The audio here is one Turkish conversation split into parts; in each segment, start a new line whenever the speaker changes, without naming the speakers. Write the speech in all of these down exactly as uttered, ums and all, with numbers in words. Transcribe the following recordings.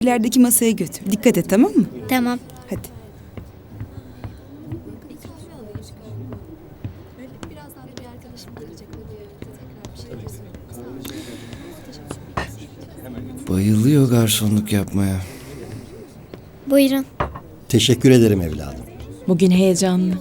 İlerideki masaya götür. Dikkat et, tamam mı?
Tamam.
Hadi.
Bayılıyor garsonluk yapmaya.
Buyurun.
Teşekkür ederim evladım.
Bugün heyecanlı.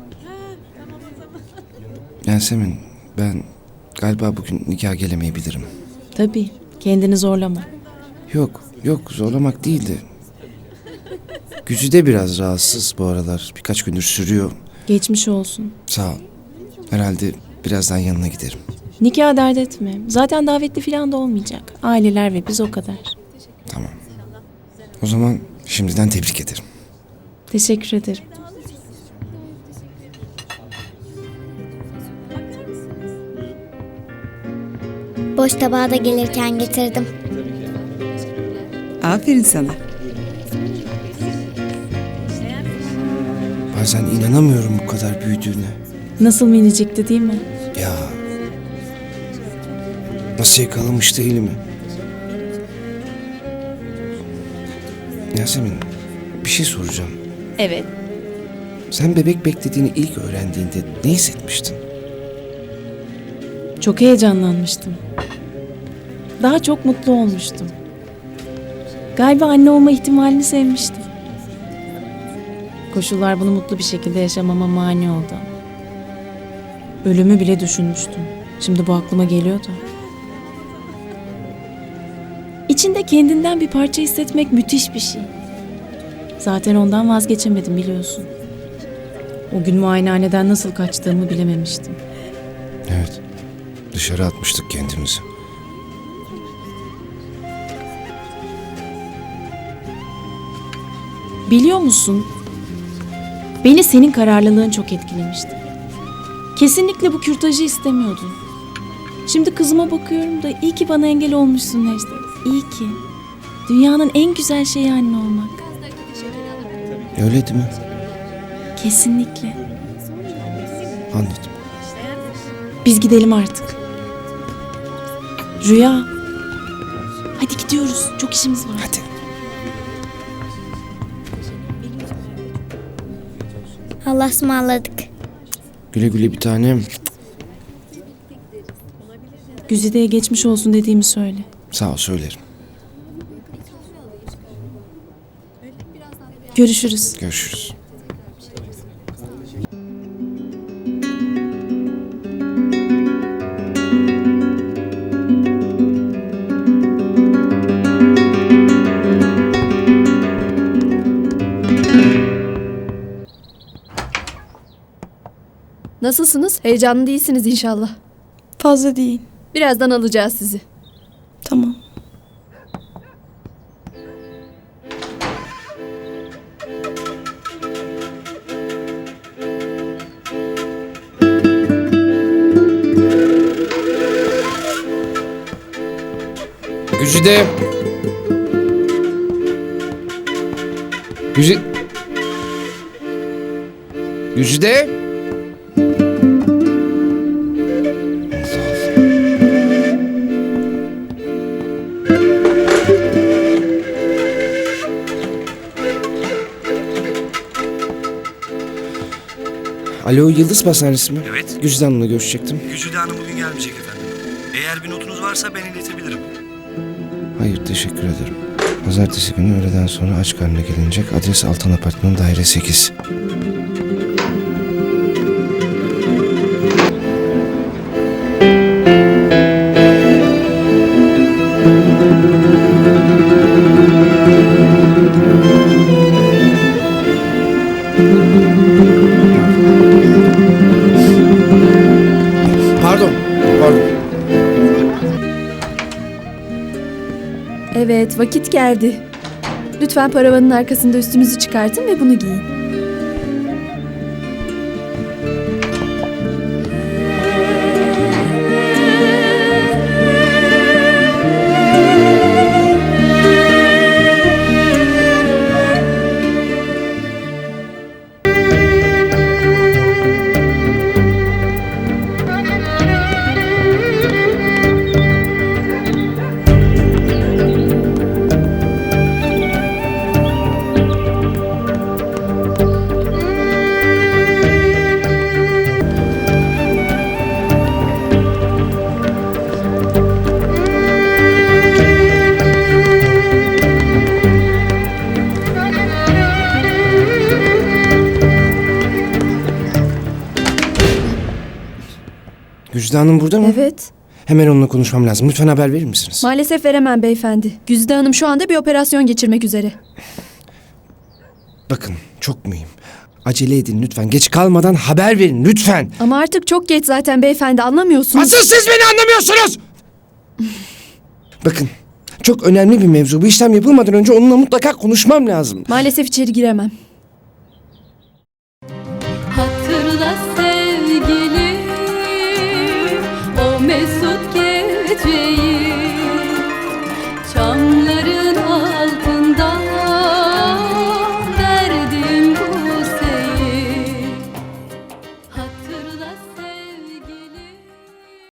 Yasemin, ben galiba bugün nikah gelemeyebilirim.
Tabii. Kendini zorlama.
Yok, yok zorlamak değildi. Güzide biraz rahatsız bu aralar. Birkaç gündür sürüyor.
Geçmiş olsun.
Sağ ol. Herhalde birazdan yanına giderim.
Nikah dert etme. Zaten davetli falan da olmayacak. Aileler ve biz o kadar.
Tamam. O zaman şimdiden tebrik ederim.
Teşekkür ederim.
Boş tabağı da gelirken getirdim.
Aferin sana.
Bazen inanamıyorum bu kadar büyüdüğüne.
Nasıl minicikti değil mi?
Ya. Nasıl yakalamıştı elimi? Yasemin, bir şey soracağım.
Evet.
Sen bebek beklediğini ilk öğrendiğinde ne hissetmiştin?
Çok heyecanlanmıştım. Daha çok mutlu olmuştum. Galiba anne olma ihtimalini sevmiştim. Koşullar bunu mutlu bir şekilde yaşamama mani oldu. Ölümü bile düşünmüştüm. Şimdi bu aklıma geliyor da. İçinde kendinden bir parça hissetmek müthiş bir şey. Zaten ondan vazgeçemedim biliyorsun. O gün muayenehaneden nasıl kaçtığımı bilememiştim.
Evet. Dışarı atmıştık kendimizi.
Biliyor musun? Beni senin kararlılığın çok etkilemişti. Kesinlikle bu kürtajı istemiyordun. Şimdi kızıma bakıyorum da iyi ki bana engel olmuşsun Necdet. İyi ki. Dünyanın en güzel şeyi anne olmak.
Öyle değil mi?
Kesinlikle.
Anladım.
Biz gidelim artık. Rüya. Hadi gidiyoruz. Çok işimiz var.
Hadi.
Allah'a ısmarladık.
Güle güle bir tanem.
Güzide'ye geçmiş olsun dediğimi söyle.
Sağ ol söylerim.
Görüşürüz.
Görüşürüz.
Nasılsınız? Heyecanlı değilsiniz inşallah.
Fazla değil.
Birazdan alacağız sizi.
Tamam.
Güzide. Güzide. Güzide. Alo, Yıldız Pastanesi mi?
Evet.
Güzide Hanım'la görüşecektim.
Güzide Hanım bugün gelmeyecek efendim. Eğer bir notunuz varsa ben iletebilirim.
Hayır, teşekkür ederim. Pazartesi günü öğleden sonra aç karnına gelinecek. Adres Altan Apartmanı daire sekiz. Pardon, pardon.
Evet, vakit geldi. Lütfen paravanın arkasında üstünüzü çıkartın ve bunu giyin.
Güzide Hanım burada mı?
Evet.
Hemen onunla konuşmam lazım. Lütfen haber verir misiniz?
Maalesef veremem beyefendi. Güzide Hanım şu anda bir operasyon geçirmek üzere.
Bakın çok mühim. Acele edin lütfen. Geç kalmadan haber verin lütfen.
Ama artık çok geç zaten beyefendi, anlamıyorsunuz.
Asıl siz beni anlamıyorsunuz. Bakın çok önemli bir mevzu. Bu işlem yapılmadan önce onunla mutlaka konuşmam lazım.
Maalesef içeri giremem.
Hatırla sevgilim o mesut gece